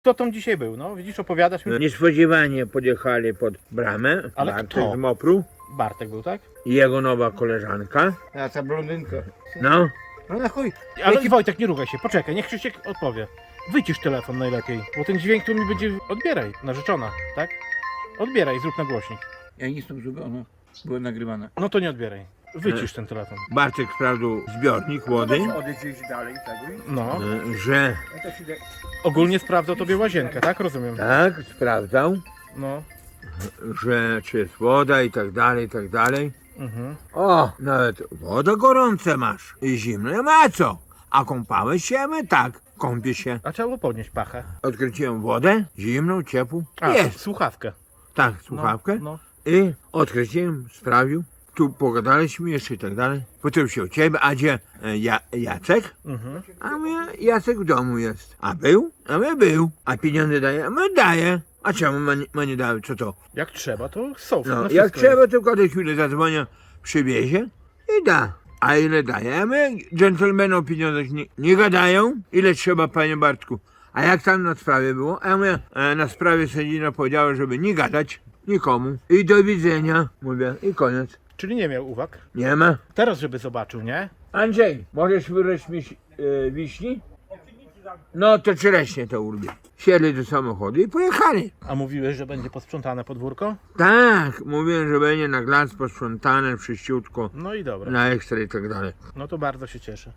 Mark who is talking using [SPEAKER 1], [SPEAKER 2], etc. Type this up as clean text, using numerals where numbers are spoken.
[SPEAKER 1] Kto tam dzisiaj był? No widzisz, opowiadasz mi.
[SPEAKER 2] Niespodziewanie podjechali pod bramę.
[SPEAKER 1] Ale
[SPEAKER 2] Bartek
[SPEAKER 1] kto?
[SPEAKER 2] z Mopru
[SPEAKER 1] Bartek był, tak?
[SPEAKER 2] i jego nowa koleżanka.
[SPEAKER 3] A ta blondynka.
[SPEAKER 2] No,
[SPEAKER 3] No na chuj.
[SPEAKER 1] Ale Wojtek, nie rugaj się, poczekaj, niech Krzysiek odpowie. Wycisz telefon najlepiej, bo ten dźwięk tu mi będzie... Odbieraj, narzeczona, tak? Odbieraj, zrób na głośnik.
[SPEAKER 3] Ja nic tam zrobiłem, było nagrywane.
[SPEAKER 1] No to nie odbieraj. Wycisz ten telefon.
[SPEAKER 2] Bartek sprawdził zbiornik wody,
[SPEAKER 3] Odejdziesz dalej, tak?
[SPEAKER 1] No.
[SPEAKER 2] że
[SPEAKER 3] No to się da...
[SPEAKER 1] Ogólnie sprawdzał tobie łazienkę, tak? Rozumiem.
[SPEAKER 2] tak, sprawdzał,
[SPEAKER 1] No.
[SPEAKER 2] że czy jest woda i tak dalej, i tak dalej.
[SPEAKER 1] Mhm.
[SPEAKER 2] O, nawet woda gorąca masz i zimne ma co. A kąpałeś się? My tak, kąpię się.
[SPEAKER 1] A trzeba było podnieść pachę.
[SPEAKER 2] Odkręciłem wodę, zimną, ciepłą.
[SPEAKER 1] A,
[SPEAKER 2] Jest,
[SPEAKER 1] słuchawkę.
[SPEAKER 2] tak,
[SPEAKER 1] No,
[SPEAKER 2] słuchawkę.
[SPEAKER 1] no.
[SPEAKER 2] I odkręciłem, sprawił. Tu pogadaliśmy jeszcze i tak dalej. Potem się o ciebie, a gdzie Jacek?
[SPEAKER 1] Mhm.
[SPEAKER 2] A my, Jacek w domu jest. A był? A my był. A pieniądze daje? A my daje. A czemu ma nie dały? Co to?
[SPEAKER 1] Jak trzeba, to są.
[SPEAKER 2] No,
[SPEAKER 1] na
[SPEAKER 2] jak
[SPEAKER 1] wszystko
[SPEAKER 2] trzeba,
[SPEAKER 1] jest.
[SPEAKER 2] to każdej chwili zadzwonia, przywiezie i da. A ile daje? A my, dżentelmeni o pieniądzach nie gadają. Ile trzeba, panie Bartku? A jak tam na sprawie było? A my na sprawie sędzina powiedziała, żeby nie gadać nikomu. I do widzenia, mówię, i koniec.
[SPEAKER 1] Czyli nie miał uwag.
[SPEAKER 2] Nie ma.
[SPEAKER 1] Teraz, żeby zobaczył, nie?
[SPEAKER 2] Andrzej, możesz wyrwać mi wiśni? No to czereśnie to urwie. Siedli do samochodu i pojechali.
[SPEAKER 1] A mówiłeś, że będzie posprzątane podwórko?
[SPEAKER 2] Tak, mówiłem, że będzie na glans posprzątane, wszyściutko,
[SPEAKER 1] No i dobra.
[SPEAKER 2] na ekstra i tak dalej.
[SPEAKER 1] No to bardzo się cieszę.